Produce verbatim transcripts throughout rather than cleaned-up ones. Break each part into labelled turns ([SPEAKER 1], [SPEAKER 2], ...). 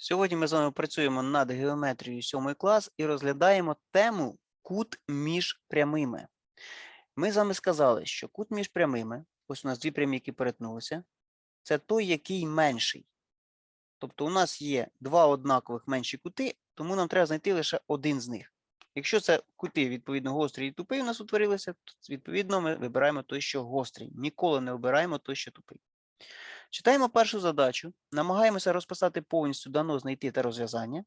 [SPEAKER 1] Сьогодні ми з вами працюємо над геометрією сьомий клас і розглядаємо тему кут між прямими. Ми з вами сказали, що кут між прямими, ось у нас дві прямі, які перетнулися, це той, який менший. Тобто у нас є два однакових менші кути, тому нам треба знайти лише один з них. Якщо це кути, відповідно, гострий і тупий у нас утворилися, то, відповідно, ми вибираємо той, що гострий. Ніколи не обираємо той, що тупий. Читаємо першу задачу, намагаємося розписати повністю дано, знайти та розв'язання.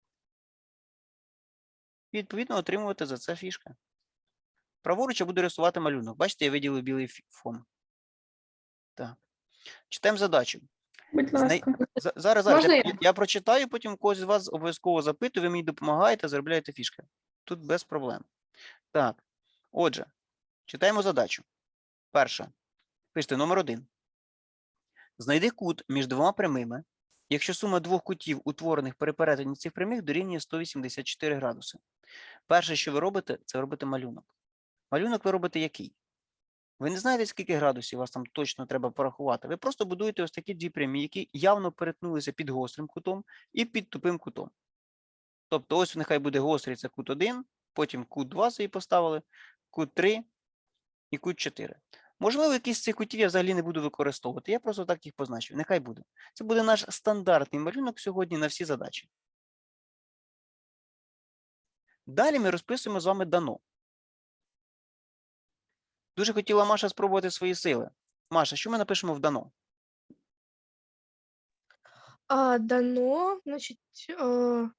[SPEAKER 1] І, відповідно, отримувати за це фішка. Праворуч я буду рисувати малюнок. Бачите, я виділив білий фон. Так. Читаємо задачу.
[SPEAKER 2] Будь
[SPEAKER 1] Знай...
[SPEAKER 2] ласка.
[SPEAKER 1] За- Зараз, зараз.
[SPEAKER 2] Можна
[SPEAKER 1] Я,
[SPEAKER 2] я?
[SPEAKER 1] я прочитаю, потім когось з вас обов'язково запитую, ви мені допомагаєте, заробляєте фішки. Тут без проблем. Так. Отже, читаємо задачу. Перша. Пишете номер один. Знайди кут між двома прямими, якщо сума двох кутів, утворених при перетині цих прямих, дорівнює сто вісімдесят чотири градуси. Перше, що ви робите, це робите малюнок. Малюнок ви робите який? Ви не знаєте, скільки градусів вас там точно треба порахувати. Ви просто будуєте ось такі дві прямі, які явно перетнулися під гострим кутом і під тупим кутом. Тобто ось нехай буде гострий, це кут один, потім кут два собі поставили, кут три і кут чотири. Можливо, якісь з цих кутів я взагалі не буду використовувати. Я просто так їх позначу. Нехай буде. Це буде наш стандартний малюнок сьогодні на всі задачі. Далі ми розписуємо з вами дано. Дуже хотіла Маша спробувати свої сили. Маша, що ми напишемо в дано?
[SPEAKER 2] А, дано, значить, е,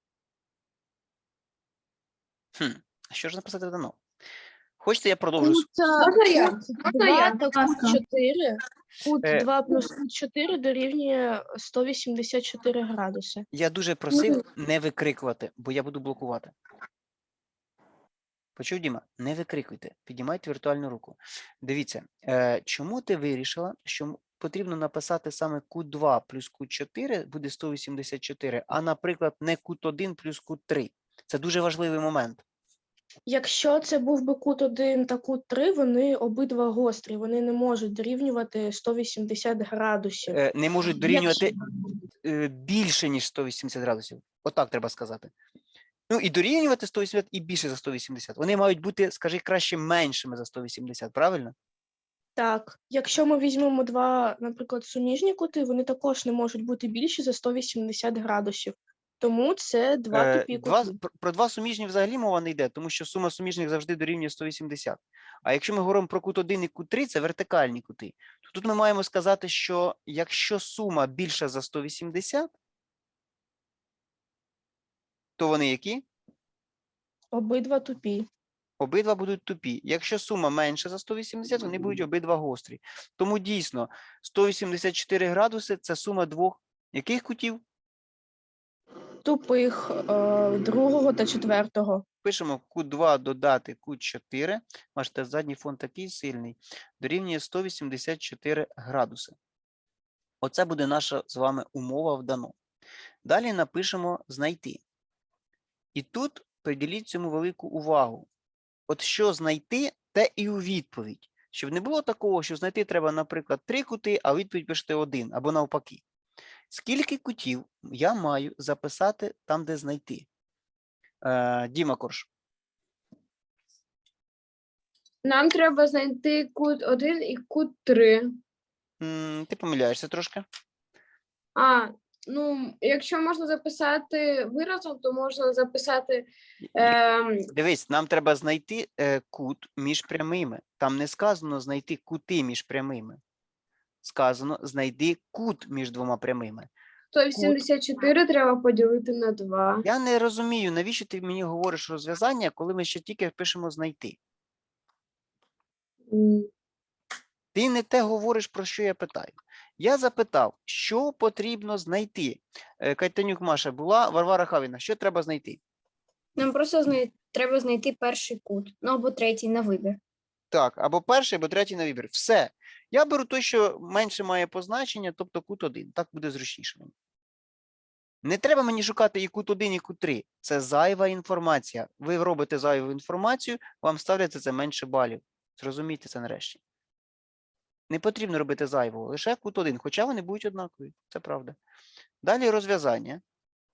[SPEAKER 1] Хм, а що ж написати в дано? Хочете, я продовжу?
[SPEAKER 2] кут,
[SPEAKER 3] Можна я?
[SPEAKER 2] кут
[SPEAKER 3] Можна я,
[SPEAKER 2] два та
[SPEAKER 3] будь
[SPEAKER 2] кут
[SPEAKER 3] ласка?
[SPEAKER 2] чотири. Кут
[SPEAKER 1] Е.
[SPEAKER 2] два плюс кут чотири дорівнює сто вісімдесят чотири градуси.
[SPEAKER 1] Я дуже просив не викрикувати, бо я буду блокувати. Почув, Діма? Не викрикуйте, піднімайте віртуальну руку. Дивіться, е, чому ти вирішила, що потрібно написати саме кут два плюс кут чотири буде сто вісімдесят чотири, а, наприклад, не кут один плюс кут три? Це дуже важливий момент.
[SPEAKER 2] Якщо це був би кут один та кут три, вони обидва гострі, вони не можуть дорівнювати сто вісімдесят градусів.
[SPEAKER 1] Е, не можуть дорівнювати е, більше, ніж сто вісімдесят градусів. Отак треба сказати. Ну і дорівнювати сто вісімдесят і більше за сто вісімдесят. Вони мають бути, скажи, краще меншими за сто вісімдесят, правильно?
[SPEAKER 2] Так, якщо ми візьмемо два, наприклад, суміжні кути, вони також не можуть бути більші за сто вісімдесят градусів. Тому це два
[SPEAKER 1] Е,
[SPEAKER 2] тупі
[SPEAKER 1] два,
[SPEAKER 2] кути.
[SPEAKER 1] про, про два суміжні взагалі мова не йде, тому що сума суміжних завжди дорівнює сто вісімдесят. А якщо ми говоримо про кут один і кут три, це вертикальні кути. То тут ми маємо сказати, що якщо сума більша за сто вісімдесят, то вони які?
[SPEAKER 2] Обидва тупі.
[SPEAKER 1] Обидва будуть тупі. Якщо сума менша за сто вісімдесят, вони будуть обидва гострі. Тому дійсно сто вісімдесят чотири градуси – це сума двох яких кутів?
[SPEAKER 2] Тупих е, другого та четвертого.
[SPEAKER 1] Пишемо кут два додати кут чотири. Бачите, задній фон такий сильний. Дорівнює сто вісімдесят чотири градуси. Оце буде наша з вами умова в дано. Далі напишемо знайти. І тут приділіть цьому велику увагу. От що знайти, те і у відповідь. Щоб не було такого, що знайти треба, наприклад, три кути, а у відповідь пишете один, або навпаки. Скільки кутів я маю записати там, де знайти? Е, Діма Корж.
[SPEAKER 3] Нам треба знайти кут один і кут три.
[SPEAKER 1] М, ти помиляєшся трошки.
[SPEAKER 3] А, ну, якщо можна записати виразом, то можна записати. Е,
[SPEAKER 1] Дивись, нам треба знайти е, кут між прямими. Там не сказано знайти кути між прямими. Сказано знайди кут між двома прямими.
[SPEAKER 3] сто вісімдесят чотири треба поділити на два.
[SPEAKER 1] Я не розумію, навіщо ти мені говориш розв'язання, коли ми ще тільки пишемо знайти.
[SPEAKER 3] М,
[SPEAKER 1] Ти не те говориш, про що я питаю. Я запитав, що потрібно знайти. Е, Кайтанюк Маша була, Варвара Хавіна, що треба знайти?
[SPEAKER 4] Нам просто знай... треба знайти перший кут, ну або третій на вибір.
[SPEAKER 1] Так, або перший, або третій на вибір. Все. Я беру той, що менше має позначення, тобто кут один. Так буде зручніше мені. Не треба мені шукати і кут один, і кут три. Це зайва інформація. Ви робите зайву інформацію, вам ставляться це менше балів. Зрозумійте це нарешті. Не потрібно робити зайвого, лише кут один, хоча вони будуть однакові. Це правда. Далі розв'язання.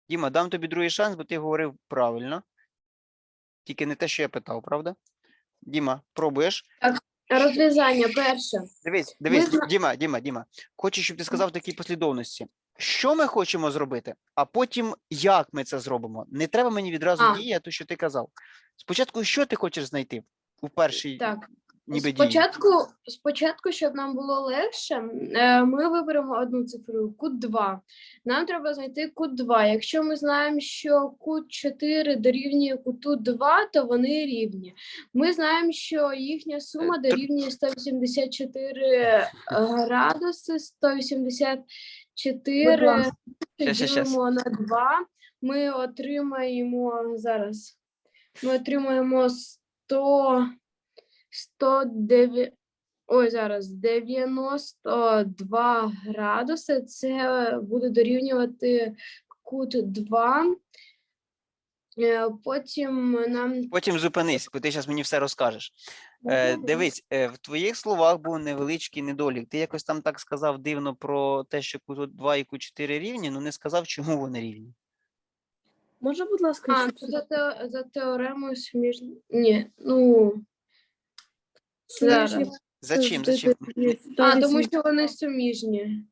[SPEAKER 1] Діма, дам тобі другий шанс, бо ти говорив правильно. Тільки не те, що я питав, правда? Діма, пробуєш?
[SPEAKER 3] Розв'язання перше.
[SPEAKER 1] Дивись, дивись,
[SPEAKER 3] зна-
[SPEAKER 1] Діма, Діма, Діма. Хочу, щоб ти сказав в такій послідовності. Що ми хочемо зробити, а потім як ми це зробимо. Не треба мені відразу
[SPEAKER 3] А.
[SPEAKER 1] діяти, що ти казав. Спочатку, що ти хочеш знайти у першій
[SPEAKER 3] Так.
[SPEAKER 1] ніби дії?
[SPEAKER 3] Спочатку, спочатку, щоб нам було легше, е, ми виберемо одну цифру, кут два. Нам треба знайти кут два. Якщо ми знаємо, що кут чотири дорівнює куту два, то вони рівні. Ми знаємо, що їхня сума
[SPEAKER 1] тр-
[SPEAKER 3] дорівнює сто вісімдесят чотири градуси, сто вісімдесят чотири
[SPEAKER 1] Щас, щас, щас.
[SPEAKER 3] ділимо на два. Ми отримаємо зараз. Ми отримаємо сто сто дев'ять, ой, зараз дев'яносто два градуси. Це буде дорівнювати кут два. Е, Потім нам
[SPEAKER 1] Потім зупинись, бо ти зараз мені все розкажеш. Е, дивись, е, в твоїх словах був невеличкий недолік. Ти якось там так сказав дивно про те, що кут два і кут чотири рівні, але не сказав, чому вони рівні.
[SPEAKER 2] Можна, будь ласка,
[SPEAKER 3] а,
[SPEAKER 2] ще
[SPEAKER 3] це за, те, за теоремою суміжні. Ні, ну зараз.
[SPEAKER 1] За чим? За чим?
[SPEAKER 3] А, тому що вони суміжні.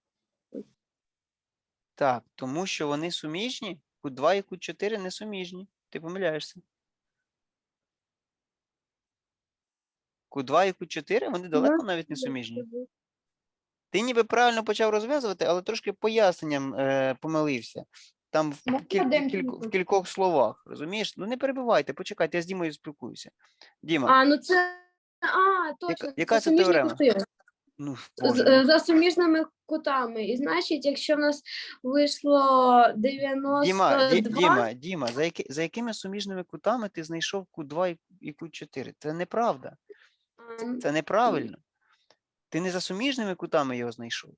[SPEAKER 1] Так, тому що вони суміжні, кут два і кут чотири не суміжні. Ти помиляєшся. Кут два і кут чотири, вони далеко навіть не суміжні. Ти ніби правильно почав розв'язувати, але трошки поясненням е, помилився. Там в,
[SPEAKER 3] Можна
[SPEAKER 1] кіль-
[SPEAKER 3] один
[SPEAKER 1] кілько- в
[SPEAKER 3] кілька?
[SPEAKER 1] кількох словах, розумієш? Ну не перебивайте, почекайте, я з Дімою спілкуюся. Діма,
[SPEAKER 3] А, ну це. А, точно.
[SPEAKER 1] яка це
[SPEAKER 3] суміжні
[SPEAKER 1] теорема?
[SPEAKER 3] кути.
[SPEAKER 1] ну,
[SPEAKER 3] З-
[SPEAKER 1] Боже,
[SPEAKER 3] е, За суміжними кутами. І значить, якщо в нас вийшло
[SPEAKER 1] Діма,
[SPEAKER 3] дев'яносто
[SPEAKER 1] Ді,
[SPEAKER 3] два,
[SPEAKER 1] Діма, Діма, за, які, за якими суміжними кутами ти знайшов кут два і, і кут чотири? Це неправда.
[SPEAKER 3] а,
[SPEAKER 1] Це неправильно. Ти не за суміжними кутами його знайшов.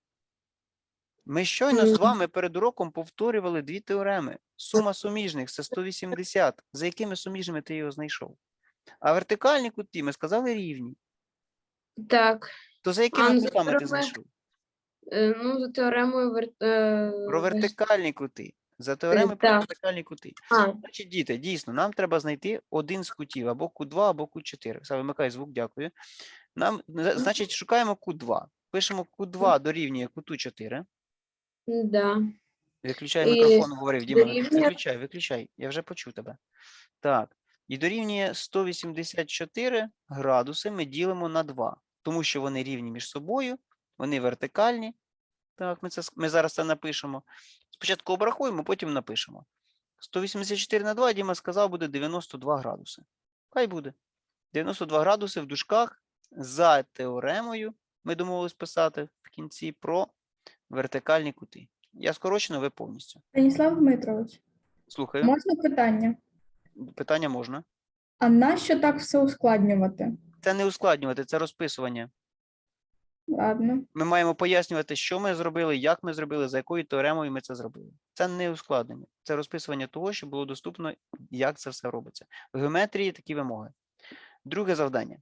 [SPEAKER 1] Ми щойно з
[SPEAKER 3] Мгм.
[SPEAKER 1] вами перед уроком повторювали дві теореми. Сума суміжних – це сто вісімдесят. За якими суміжними ти його знайшов? А вертикальні куті, ми сказали, рівні.
[SPEAKER 3] так,
[SPEAKER 1] То за якими
[SPEAKER 3] ну, за
[SPEAKER 1] кутами ти
[SPEAKER 3] теореми-
[SPEAKER 1] знайшов?
[SPEAKER 3] е, ну, за теоремою вер... е,
[SPEAKER 1] Про
[SPEAKER 3] вер-
[SPEAKER 1] вертикальні кути. За теореми про
[SPEAKER 3] так.
[SPEAKER 1] вертикальні кути.
[SPEAKER 3] А,
[SPEAKER 1] Значить, діти, дійсно, нам треба знайти один з кутів, або кут два, або кут чотири. Все, вимикай звук, дякую. Нам, зна- значить, шукаємо кут два. Пишемо кут два дорівнює куту чотири.
[SPEAKER 3] да.
[SPEAKER 1] Виключай
[SPEAKER 3] І
[SPEAKER 1] мікрофон, говорив Діма.
[SPEAKER 3] дорівнює-
[SPEAKER 1] Виключай, виключай. Я вже почув тебе. Так. І дорівнює сто вісімдесят чотири градуси ми ділимо на два. Тому що вони рівні між собою, вони вертикальні. Так, ми, це, с- ми зараз це напишемо. Спочатку обрахуємо, потім напишемо. сто вісімдесят чотири на два, Діма сказав, буде дев'яносто два градуси. Хай буде. дев'яносто два градуси в дужках за теоремою, ми домовились писати в кінці про вертикальні кути. Я скорочено, ви повністю.
[SPEAKER 5] Станіслав Дмитрович,
[SPEAKER 1] Слухаю.
[SPEAKER 5] можна питання?
[SPEAKER 1] Питання можна.
[SPEAKER 5] А нащо так все ускладнювати?
[SPEAKER 1] Це не ускладнювати, це розписування.
[SPEAKER 5] Ладно.
[SPEAKER 1] Ми маємо пояснювати, що ми зробили, як ми зробили, за якою теоремою ми це зробили. Це не ускладнення, це розписування того, що було доступно, як це все робиться. В геометрії такі вимоги. Друге завдання.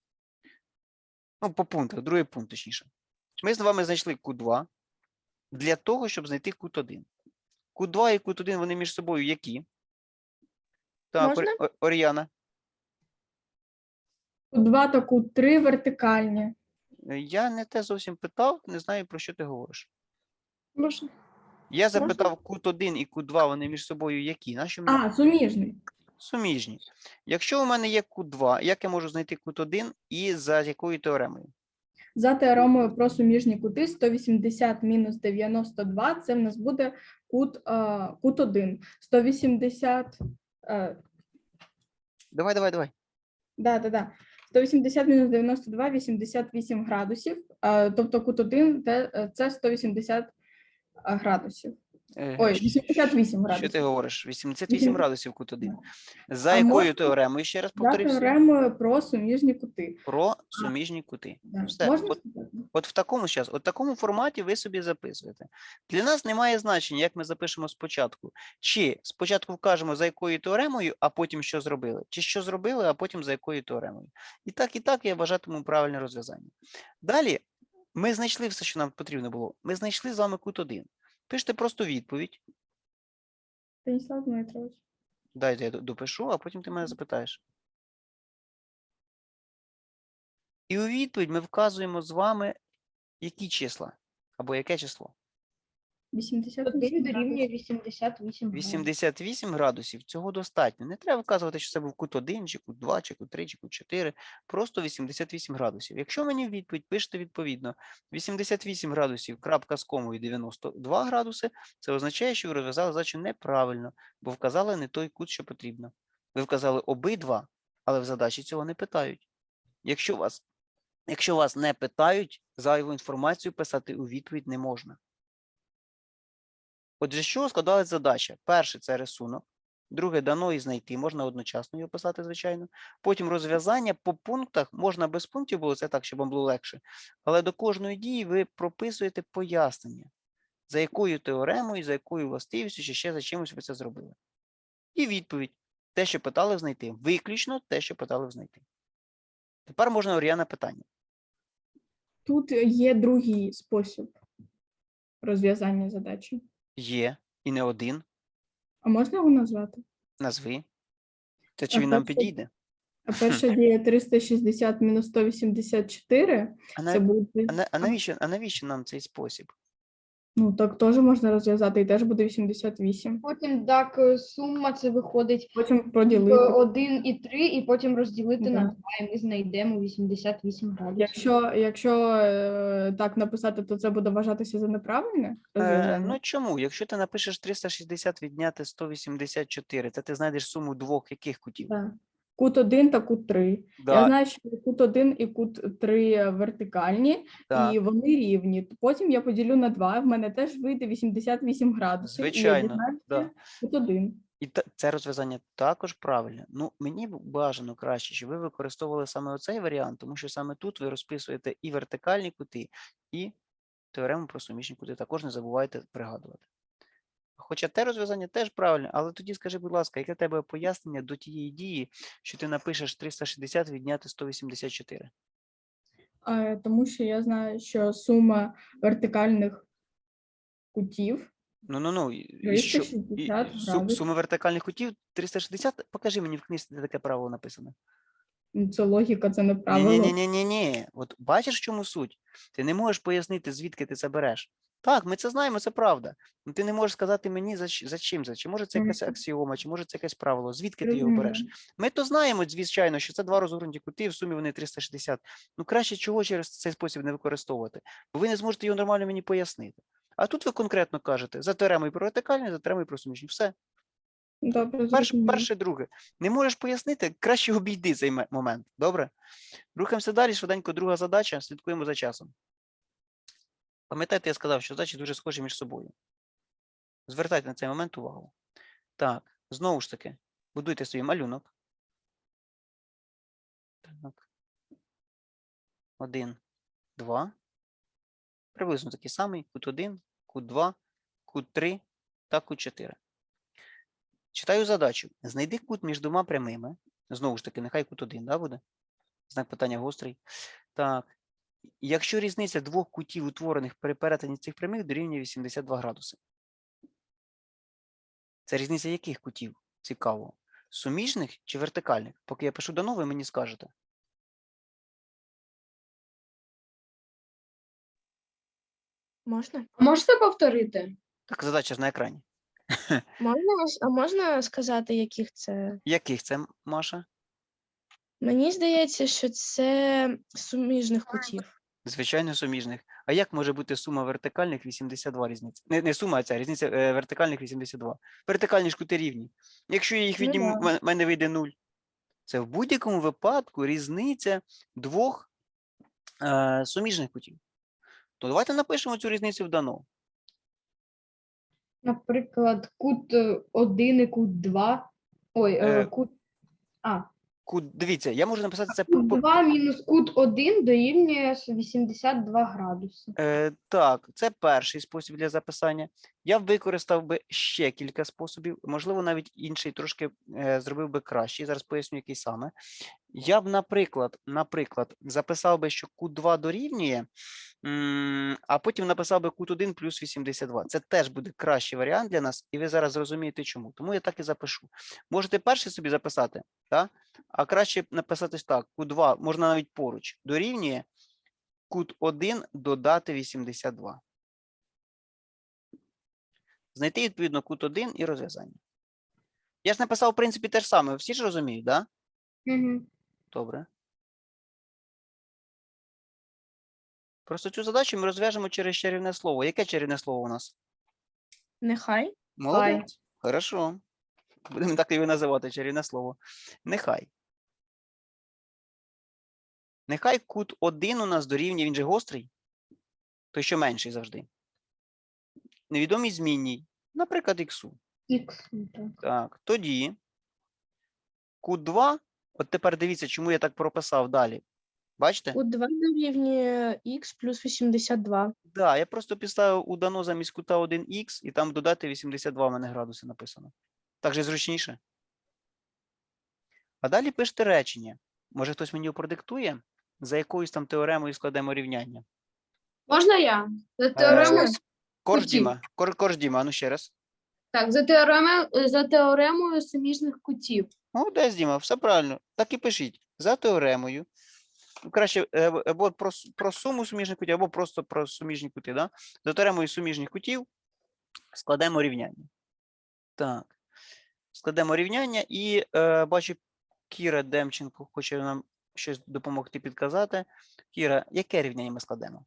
[SPEAKER 1] Ну, по пунктах, другий пункт, точніше. Ми з вами знайшли кут два для того, щоб знайти кут один. Кут два і кут один, вони між собою які? Так,
[SPEAKER 2] Можна?
[SPEAKER 1] Ор- Ор- Оріяна.
[SPEAKER 5] Кут два та кут три вертикальні.
[SPEAKER 1] Е, Я не те зовсім питав, не знаю, про що ти говориш.
[SPEAKER 2] Можна.
[SPEAKER 1] Я запитав, кут один і кут два, вони між собою які? Наші
[SPEAKER 5] А, суміжний.
[SPEAKER 1] суміжні. Якщо у мене є кут два, як я можу знайти кут один і за якою теоремою?
[SPEAKER 5] За теоремою про суміжні кути сто вісімдесят мінус дев'яносто два, це в нас буде кут, е, кут один. сто вісімдесят, е,
[SPEAKER 1] Давай, давай, давай.
[SPEAKER 5] да, да, да. сто вісімдесят мінус дев'яносто два, вісімдесят вісім градусів. Е, тобто кут один те- е, це сто вісімдесят градусів.
[SPEAKER 1] Е,
[SPEAKER 5] Ой,
[SPEAKER 1] щ-
[SPEAKER 5] вісімдесят вісім
[SPEAKER 1] Що
[SPEAKER 5] градусів.
[SPEAKER 1] ти говориш? вісімдесят вісім
[SPEAKER 5] Вісім-
[SPEAKER 1] градусів кут один. За
[SPEAKER 5] А
[SPEAKER 1] якою
[SPEAKER 5] можна-
[SPEAKER 1] теоремою? Ще раз
[SPEAKER 5] За
[SPEAKER 1] повторюся.
[SPEAKER 5] теоремою про суміжні кути.
[SPEAKER 1] Про суміжні кути.
[SPEAKER 5] Да.
[SPEAKER 1] Все.
[SPEAKER 5] Можна
[SPEAKER 1] От,
[SPEAKER 5] сказати?
[SPEAKER 1] от в такому щас, от в такому форматі ви собі записуєте. Для нас немає значення, як ми запишемо спочатку. Чи спочатку вкажемо, за якою теоремою, а потім що зробили. Чи що зробили, а потім за якою теоремою. І так, і так я вважатиму правильне розв'язання. Далі ми знайшли все, що нам потрібно було. Ми знайшли з вами кут один. Пишете просто відповідь.
[SPEAKER 5] Станіслав Дмитрович.
[SPEAKER 1] Дайте я д- допишу, а потім ти мене запитаєш. І у відповідь ми вказуємо з вами, які числа або яке число.
[SPEAKER 5] вісімдесят
[SPEAKER 4] Один
[SPEAKER 5] вісім
[SPEAKER 4] дорівнює
[SPEAKER 5] градусів.
[SPEAKER 4] вісімдесят вісім градусів.
[SPEAKER 1] вісімдесят вісім градусів цього достатньо. Не треба вказувати, що це був кут один, чи кут два, чи кут три, чи кут чотири. Просто вісімдесят вісім градусів. Якщо мені в відповідь пишете відповідно вісімдесят вісім градусів, крапка з комою дев'яносто два градуси, це означає, що ви розв'язали задачу неправильно, бо вказали не той кут, що потрібно. Ви вказали обидва, але в задачі цього не питають. Якщо вас, якщо вас не питають, зайву інформацію писати у відповідь не можна. Отже, з чого складалась задача? Перше – це рисунок. Друге – дано і знайти. Можна одночасно його писати, звичайно. Потім розв'язання по пунктах. Можна без пунктів було, це так, щоб вам було легше. Але до кожної дії ви прописуєте пояснення, за якою теоремою, за якою властивістю, чи ще за чимось ви це зробили. І відповідь. Те, що питали знайти. Виключно те, що питали знайти. Тепер можна Оріана питання.
[SPEAKER 5] Тут є другий спосіб розв'язання задачі.
[SPEAKER 1] Є і не один.
[SPEAKER 5] А можна його назвати?
[SPEAKER 1] Назви. Це чи
[SPEAKER 5] А
[SPEAKER 1] він нам
[SPEAKER 5] перше-
[SPEAKER 1] підійде?
[SPEAKER 5] А перша дія триста шістдесят мінус сто вісімдесят чотири,
[SPEAKER 1] А,
[SPEAKER 5] це
[SPEAKER 1] на...
[SPEAKER 5] буде,
[SPEAKER 1] а, на... а, навіщо... а навіщо нам цей спосіб?
[SPEAKER 5] ну так теж можна розв'язати, і теж буде вісімдесят вісім.
[SPEAKER 4] Потім так, е, сума це виходить
[SPEAKER 5] Потім
[SPEAKER 4] е,
[SPEAKER 5] поділити.
[SPEAKER 4] один і три, і потім розділити на
[SPEAKER 5] Да.
[SPEAKER 4] два, і ми знайдемо вісімдесят вісім градусів.
[SPEAKER 5] Якщо, якщо е, так написати, то це буде вважатися за неправильне
[SPEAKER 1] Е,
[SPEAKER 5] розв'язання?
[SPEAKER 1] ну чому? Якщо ти напишеш триста шістдесят відняти сто вісімдесят чотири, це ти знайдеш суму двох яких кутів?
[SPEAKER 5] Так. Кут один та кут три.
[SPEAKER 1] Да,
[SPEAKER 5] Я знаю, що кут один і кут три вертикальні,
[SPEAKER 1] так,
[SPEAKER 5] і вони рівні. Потім я поділю на два, в мене теж вийде вісімдесят вісім градусів.
[SPEAKER 1] звичайно.
[SPEAKER 5] І я дізнаюся
[SPEAKER 1] Да.
[SPEAKER 5] кут один.
[SPEAKER 1] І та, це розв'язання також правильне. Ну, мені б бажано краще, щоб ви використовували саме оцей варіант, тому що саме тут ви розписуєте і вертикальні кути, і теорему про суміжні кути. Також не забувайте пригадувати. Хоча те розв'язання теж правильне, але тоді скажи, будь ласка, яке в тебе пояснення до тієї дії, що ти напишеш триста шістдесят відняти сто вісімдесят чотири?
[SPEAKER 5] Е, Тому що я знаю, що сума вертикальних кутів
[SPEAKER 1] Ну, ну, ну, і, і що?
[SPEAKER 5] триста
[SPEAKER 1] І,
[SPEAKER 5] шістдесят
[SPEAKER 1] су-
[SPEAKER 5] градусів.
[SPEAKER 1] суми вертикальних кутів триста шістдесят? Покажи мені в книжці, де таке правило написано.
[SPEAKER 5] Ну, це логіка, це не
[SPEAKER 1] Ні,
[SPEAKER 5] правило.
[SPEAKER 1] ні, ні, ні, ні, ні. От бачиш, в чому суть? Ти не можеш пояснити, звідки ти це береш. Так, ми це знаємо, це правда. Ну ти не можеш сказати мені, за, щ- за чим це. Чи може це якась
[SPEAKER 5] Мгм.
[SPEAKER 1] аксіома, чи може це якесь правило. Звідки ти його береш?
[SPEAKER 5] Розумію.
[SPEAKER 1] Ми то знаємо, звичайно, що це два розгорнуті кути, в сумі вони триста шістдесят. Ну краще чого через цей спосіб не використовувати, бо ви не зможете його нормально мені пояснити. А тут ви конкретно кажете за теоремою про вертикальні, за теоремою про суміжні. Все.
[SPEAKER 5] Добре,
[SPEAKER 1] Перше,
[SPEAKER 5] зрозуміло.
[SPEAKER 1] перше, друге. Не можеш пояснити, краще обійди цей ме- момент. Добре? Рухаємося далі. Швиденько друга задача. Слідкуємо за часом. Пам'ятаєте, я сказав, що задачі дуже схожі між собою. Звертайте на цей момент увагу. Так, знову ж таки, будуйте свій малюнок. Так. Один, два. Приблизно такий самий. Кут один, кут два, кут три та кут чотири. Читаю задачу. Знайди кут між двома прямими. Знову ж таки, нехай кут один, да, буде? Знак питання гострий. Так. Якщо різниця двох кутів, утворених при перетині цих прямих, дорівнює вісімдесят два градуси. Це різниця яких кутів? Цікаво. Суміжних чи вертикальних? Поки я пишу дано, ви мені скажете.
[SPEAKER 2] Можна?
[SPEAKER 3] А можете повторити?
[SPEAKER 1] Так, задача ж на екрані.
[SPEAKER 2] Можна, с- а можна сказати, яких це?
[SPEAKER 1] Яких це, Маша?
[SPEAKER 2] Мені здається, що це суміжних кутів.
[SPEAKER 1] Звичайно, суміжних. А як може бути сума вертикальних вісімдесят два різниця? Не, не сума, а ця різниця е, вертикальних вісімдесят два. Вертикальні ж кути рівні. Якщо я їх
[SPEAKER 5] Ну
[SPEAKER 1] відніму,
[SPEAKER 5] да.
[SPEAKER 1] в мене вийде нуль. Це в будь-якому випадку різниця двох е, суміжних кутів. То давайте напишемо цю різницю в дано.
[SPEAKER 4] Наприклад, кут е, один і кут два. Ой, е,
[SPEAKER 1] Е,
[SPEAKER 4] кут. А,
[SPEAKER 1] Кут, дивіться, я можу написати це по,
[SPEAKER 4] кут
[SPEAKER 1] по,
[SPEAKER 4] два мінус кут один дорівнює вісімдесят два градуси.
[SPEAKER 1] Е, так, це перший спосіб для записання. Я б використав би ще кілька способів, можливо, навіть інший трошки е, зробив би кращий. Зараз поясню, який саме. Я б, наприклад, наприклад, записав би, що кут два дорівнює М, А потім написав би кут один плюс вісімдесят два. Це теж буде кращий варіант для нас, і ви зараз зрозумієте чому. Тому я так і запишу. Можете перший собі записати, так? А краще написати так: кут два, можна навіть поруч, дорівнює кут один додати вісімдесят два. Знайти, відповідно, кут один і розв'язання. Я ж написав, в принципі, те ж саме. Ви всі ж розуміють, так? Да?
[SPEAKER 4] Угу.
[SPEAKER 1] Добре. Просто цю задачу ми розв'яжемо через чарівне слово. Яке чарівне слово у нас?
[SPEAKER 2] Нехай.
[SPEAKER 1] Молодець. Хорошо. Будемо так його називати, чарівне слово. Нехай. Нехай кут один у нас дорівнює, він же гострий, той, що менший завжди. Невідомій змінній, наприклад, іксу.
[SPEAKER 4] Ікс. Так.
[SPEAKER 1] Так, тоді кут два, от тепер дивіться, чому я так прописав далі. Бачите?
[SPEAKER 2] Кут два дорівнює х плюс вісімдесят два.
[SPEAKER 1] Так, да, я просто підставив у дано замість кута один х, і там додати вісімдесят два в мене градуси написано. Так же зручніше. А далі пишете речення. Може, хтось мені продиктує, за якоюсь там теоремою складемо рівняння.
[SPEAKER 3] Можна я? За теоремою,
[SPEAKER 1] Е, Корж
[SPEAKER 3] кутів.
[SPEAKER 1] Діма, Кор, Корж Діма, а ну ще раз.
[SPEAKER 3] так, за теоремою, за теоремою суміжних кутів.
[SPEAKER 1] Молодець, Діма, все правильно. Так і пишіть. За теоремою. Ну, краще е, або про, с- про суму суміжних кутів, або просто про суміжні кути. Да? За теоремою суміжних кутів складемо рівняння. Так. Складемо рівняння і е, бачу, Кіра Демченко хоче нам щось допомогти підказати. Кіра, яке рівняння ми складемо?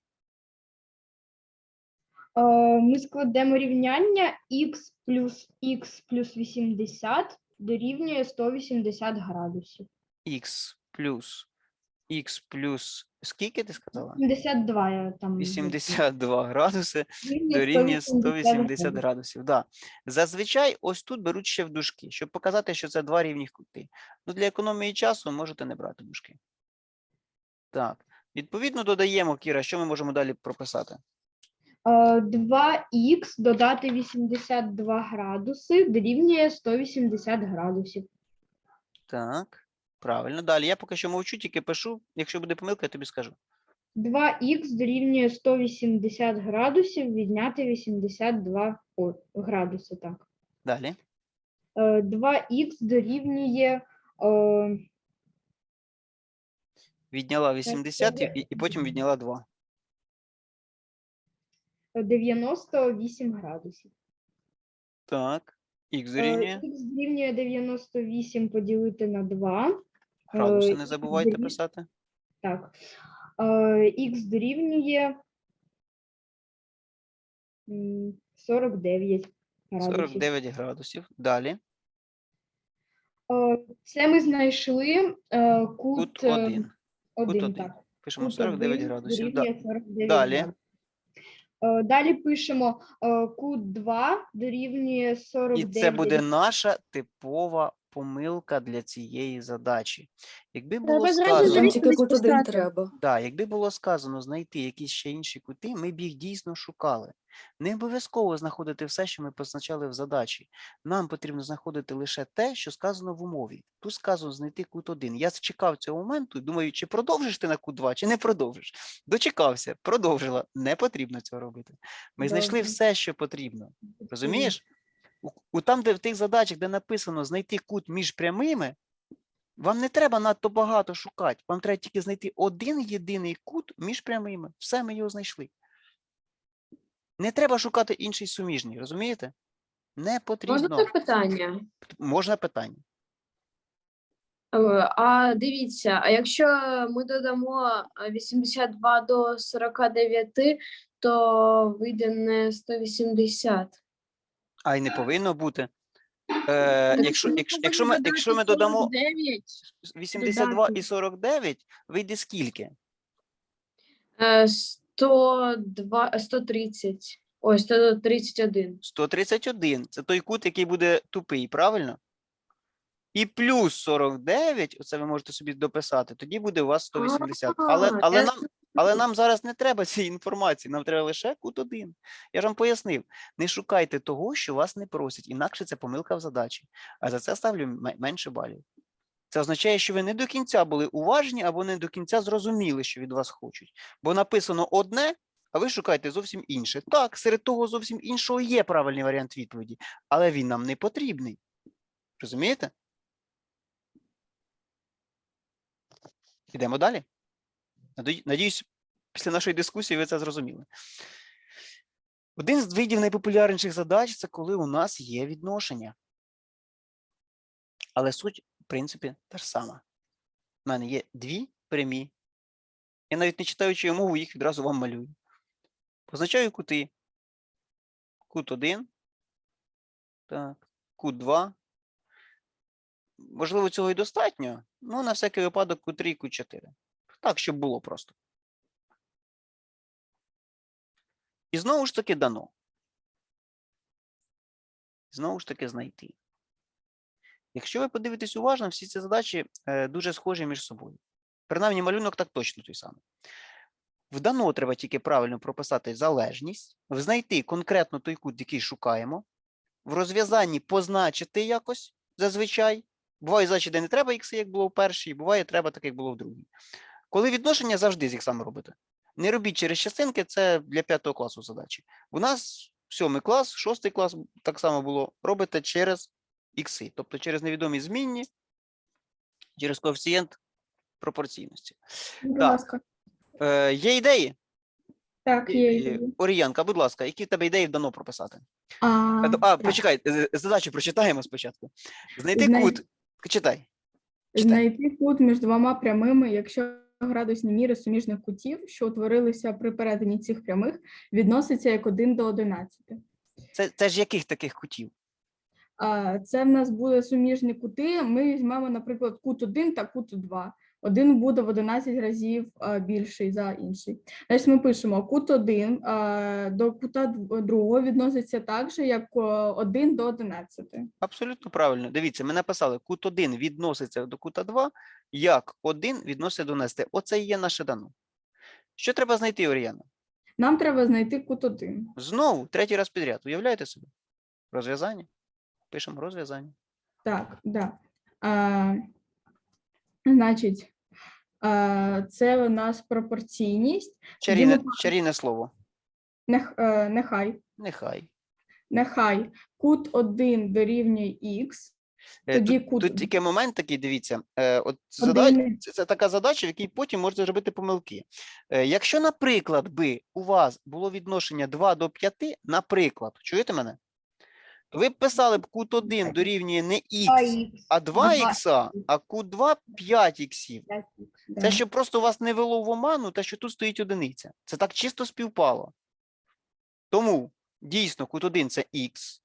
[SPEAKER 6] Е, Ми складемо рівняння х плюс х плюс вісімдесят дорівнює сто вісімдесят градусів.
[SPEAKER 1] Х плюс х плюс скільки ти сказала?
[SPEAKER 6] вісімдесят два я там.
[SPEAKER 1] вісімдесят два градуси
[SPEAKER 6] Дорівнює
[SPEAKER 1] дорівнює сто вісімдесят
[SPEAKER 6] градусів.
[SPEAKER 1] градусів. Да. Зазвичай ось тут беруть ще в дужки, щоб показати, що це два рівних кути. Ну, для економії часу можете не брати дужки. Так. Відповідно, додаємо, Кіра, що ми можемо далі прописати?
[SPEAKER 6] Е, два х додати вісімдесят два градуси дорівнює сто вісімдесят градусів.
[SPEAKER 1] Так. Правильно. Далі. Я поки що мовчу, тільки пишу. Якщо буде помилка, я тобі скажу.
[SPEAKER 6] два х дорівнює сто вісімдесят градусів відняти вісімдесят два о, градуси. Так.
[SPEAKER 1] Далі.
[SPEAKER 6] Е, два х дорівнює е,
[SPEAKER 1] Відняла вісімдесят і, і потім відняла два.
[SPEAKER 6] дев'яносто вісім градусів.
[SPEAKER 1] Так. Х
[SPEAKER 6] Е,
[SPEAKER 1] дорівнює.
[SPEAKER 6] Х дорівнює дев'яносто вісім поділити на два.
[SPEAKER 1] Градуси
[SPEAKER 6] е,
[SPEAKER 1] не забувайте
[SPEAKER 6] дорів-
[SPEAKER 1] писати.
[SPEAKER 6] Так. Е, Х дорівнює м, сорок дев'ять градусів.
[SPEAKER 1] сорок дев'ять градусів. Далі.
[SPEAKER 6] Е, Це ми знайшли е, кут,
[SPEAKER 1] Кут
[SPEAKER 6] е,
[SPEAKER 1] один. Кут
[SPEAKER 6] один,
[SPEAKER 1] один.
[SPEAKER 6] так.
[SPEAKER 1] Пишемо
[SPEAKER 6] Кут
[SPEAKER 1] сорок дев'ять
[SPEAKER 6] один
[SPEAKER 1] градусів. Да.
[SPEAKER 6] дорівнює сорок дев'ять
[SPEAKER 1] Далі.
[SPEAKER 6] градусів. Е, Далі пишемо е, кут два дорівнює сорок
[SPEAKER 1] І
[SPEAKER 6] дев'ять.
[SPEAKER 1] це буде наша типова помилка для цієї задачі. Якби було
[SPEAKER 2] Треба зразу
[SPEAKER 1] сказано,
[SPEAKER 2] зрозуміти.
[SPEAKER 7] Тільки кут один
[SPEAKER 2] писати.
[SPEAKER 7] треба.
[SPEAKER 1] да, якби було сказано знайти якісь ще інші кути, ми б їх дійсно шукали. Не обов'язково знаходити все, що ми позначали в задачі. Нам потрібно знаходити лише те, що сказано в умові. Тут сказано знайти кут один. Я чекав цього моменту і думаю, чи продовжиш ти на кут два, чи не продовжиш. Дочекався, продовжила. Не потрібно цього робити. Ми знайшли
[SPEAKER 6] Добре.
[SPEAKER 1] все, що потрібно. Розумієш? У, у там, де в тих задачах, де написано знайти кут між прямими, вам не треба надто багато шукати. Вам треба тільки знайти один єдиний кут між прямими. Все, ми його знайшли. Не треба шукати інший суміжний, розумієте? Не потрібно.
[SPEAKER 3] Можна запитання?
[SPEAKER 1] Можна питання.
[SPEAKER 3] Е, А дивіться, а якщо ми додамо е, вісімдесят два до сорока дев'яти, то вийде не сто вісімдесят.
[SPEAKER 1] А й не повинно бути. Е, якщо, якщо, якщо, ми, якщо ми додамо вісімдесят два і сорок дев'ять, вийде скільки?
[SPEAKER 3] Е, сто два, сто тридцять. Ой, сто тридцять один.
[SPEAKER 1] сто тридцять один. Це той кут, який буде тупий, правильно? І плюс сорок дев'ять, оце ви можете собі дописати, тоді буде у вас сто вісімдесят. Але,
[SPEAKER 3] А,
[SPEAKER 1] але,
[SPEAKER 3] я
[SPEAKER 1] нам, але нам зараз не треба цієї інформації, нам треба лише кут один. Я ж вам пояснив, не шукайте того, що вас не просять, інакше це помилка в задачі. А за це ставлю м- менше балів. Це означає, що ви не до кінця були уважні або не до кінця зрозуміли, що від вас хочуть. Бо написано одне, а ви шукаєте зовсім інше. Так, серед того зовсім іншого є правильний варіант відповіді, але він нам не потрібний. Розумієте? Ідемо далі. Надію- Надіюсь, після нашої дискусії ви це зрозуміли. Один з видів найпопулярніших задач – це коли у нас є відношення. Але суть, в принципі, та ж сама. У мене є дві прямі. Я навіть не читаючи мову, їх відразу вам малюю. Позначаю кути. Кут один. Так. Кут два. Можливо, цього і достатньо. Ну, на всякий випадок кут три і кут чотири. Так, щоб було просто. І знову ж таки дано. Знову ж таки знайти. Якщо ви подивитесь уважно, всі ці задачі е, дуже схожі між собою. Принаймні, малюнок так точно той самий. В дано треба тільки правильно прописати залежність, знайти конкретно той кут, який шукаємо, в розв'язанні позначити якось, зазвичай. Буває задачі, де не треба ікси, як було в першій, буває, треба так, як було в другій. Коли відношення, завжди з іксами робите. Не робіть через частинки, це для п'ятого класу задачі. У нас сьомий клас, шостий клас так само було, робите через ікси, тобто через невідомі змінні, через коефіцієнт пропорційності.
[SPEAKER 5] Будь
[SPEAKER 1] Так.
[SPEAKER 5] ласка.
[SPEAKER 1] Е, є ідеї?
[SPEAKER 5] Так, є
[SPEAKER 1] Е,
[SPEAKER 5] ідеї.
[SPEAKER 1] Оріянка, будь ласка, які в тебе ідеї вдано прописати?
[SPEAKER 5] А,
[SPEAKER 1] А, а
[SPEAKER 5] так.
[SPEAKER 1] почекай, е, задачу прочитаємо спочатку. Знайти
[SPEAKER 5] Знай-
[SPEAKER 1] кут. Читай. Читай.
[SPEAKER 5] Знайти кут між двома прямими, якщо градусні міри суміжних кутів, що утворилися при перетині цих прямих, відноситься як один до одинадцяти.
[SPEAKER 1] Це, це ж яких таких кутів?
[SPEAKER 5] А, Це в нас буде суміжні кути. Ми візьмемо, наприклад, кут один та кут два. Один буде в одинадцять разів а, більший за інший. Значить, ми пишемо кут один а, до кута дв- другого відноситься так же, як о, один до одинадцяти.
[SPEAKER 1] Абсолютно правильно. Дивіться, ми написали, кут один відноситься до кута два, як один відноситься до одинадцяти. Оце і є наше дано. Що треба знайти, Оріяна?
[SPEAKER 5] Нам треба знайти кут один.
[SPEAKER 1] Знову, третій раз підряд. Уявляєте собі? Розв'язання. Пишемо розв'язання.
[SPEAKER 5] Так, да. А, значить, а, це у нас пропорційність.
[SPEAKER 1] Чарівне,
[SPEAKER 5] ми-
[SPEAKER 1] чарівне слово.
[SPEAKER 5] Нех, е, нехай.
[SPEAKER 1] Нехай.
[SPEAKER 5] Нехай кут один дорівнює х.
[SPEAKER 1] Е,
[SPEAKER 5] Тоді
[SPEAKER 1] Тут,
[SPEAKER 5] кут
[SPEAKER 1] тут тільки момент такий, дивіться, е, от
[SPEAKER 5] один
[SPEAKER 1] задач, це, це така задача, в якій потім можете зробити помилки. Е, Якщо, наприклад, би у вас було відношення два до п'яти, наприклад, чуєте мене? То ви б писали б кут один дорівнює не х, а два х, а кут два п'ять іксів.
[SPEAKER 5] Да.
[SPEAKER 1] Це щоб просто вас не вело в оману, те, що тут стоїть одиниця. Це так чисто співпало. Тому, дійсно, кут один – це х,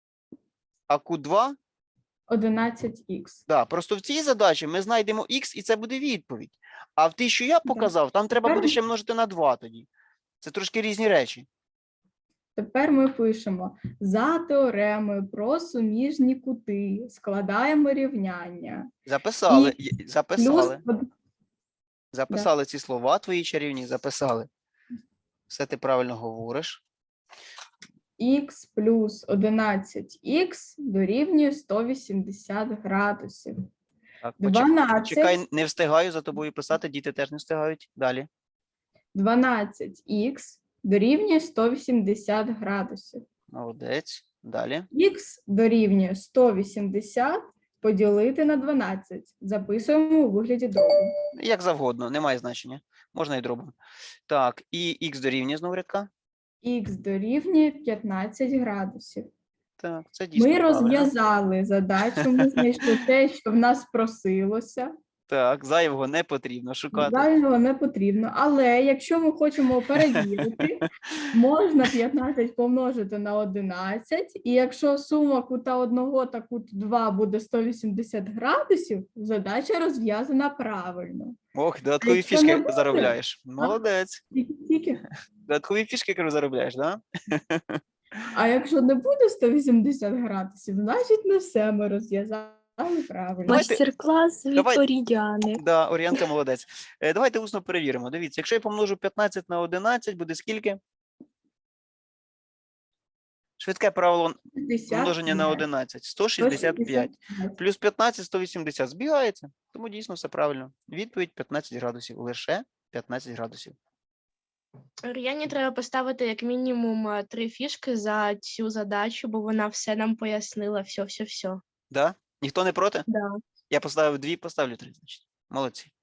[SPEAKER 1] а кут два
[SPEAKER 5] одинадцять х.
[SPEAKER 1] да, просто в цій задачі ми знайдемо х, і це буде відповідь. А в тій, що я показав, там треба
[SPEAKER 5] Тепер-
[SPEAKER 1] буде ще множити на два тоді. Це трошки різні речі.
[SPEAKER 5] Тепер ми пишемо за теоремою про суміжні кути, складаємо рівняння.
[SPEAKER 1] Записали,
[SPEAKER 5] І
[SPEAKER 1] є-
[SPEAKER 5] Плюс
[SPEAKER 1] записали,
[SPEAKER 5] од-
[SPEAKER 1] записали ці слова твої чарівні, записали. Все ти правильно говориш.
[SPEAKER 5] х плюс одинадцять х дорівнює сто вісімдесят градусів.
[SPEAKER 1] Так, почек-
[SPEAKER 5] дванадцять.
[SPEAKER 1] Чекай, не встигаю за тобою писати, діти теж не встигають. Далі.
[SPEAKER 5] дванадцять х дорівнює сто вісімдесят градусів.
[SPEAKER 1] Молодець. Далі.
[SPEAKER 5] Х дорівнює сто вісімдесят поділити на дванадцять. Записуємо у вигляді дробу.
[SPEAKER 1] Як завгодно, немає значення. Можна і дробом. Так, і х дорівнює знову рядка.
[SPEAKER 5] Х дорівнює п'ятнадцять градусів.
[SPEAKER 1] Так, це дійсно
[SPEAKER 5] Ми
[SPEAKER 1] правильно.
[SPEAKER 5] розв'язали задачу, ми знайшли те, що в нас просилося.
[SPEAKER 1] Так, зайвого не потрібно шукати.
[SPEAKER 5] Дальнього не потрібно. Але якщо ми хочемо перевірити, можна п'ятнадцять помножити на одинадцять, і якщо сума кута одного та кут два буде сто вісімдесят градусів, задача розв'язана правильно.
[SPEAKER 1] Ох, додаткові
[SPEAKER 5] якщо не
[SPEAKER 1] фішки
[SPEAKER 5] буде,
[SPEAKER 1] заробляєш. Молодець.
[SPEAKER 5] Тільки-тільки.
[SPEAKER 1] Додаткові фішки, кажу, заробляєш, да?
[SPEAKER 5] А якщо не буде сто вісімдесят градусів, значить не все ми розв'язали правильно.
[SPEAKER 1] Давайте-
[SPEAKER 7] Майстер-клас від
[SPEAKER 1] давай-
[SPEAKER 7] Орідіани.
[SPEAKER 1] Да, Орієнка молодець. Е, Давайте усно перевіримо. Дивіться, якщо я помножу п'ятнадцять на одинадцять, буде скільки? Швидке правило множення на одинадцять. сто шістдесят п'ять. Плюс п'ятнадцять – сто вісімдесят. Збігається. Тому дійсно все правильно. Відповідь п'ятнадцять градусів. Лише п'ятнадцять градусів.
[SPEAKER 2] Ріані треба поставити як мінімум е, три фішки за цю задачу, бо вона все нам пояснила, все, все, все.
[SPEAKER 1] Да? Ніхто не проти?
[SPEAKER 2] Да.
[SPEAKER 1] Я поставив дві, поставлю три, значить. Молодці.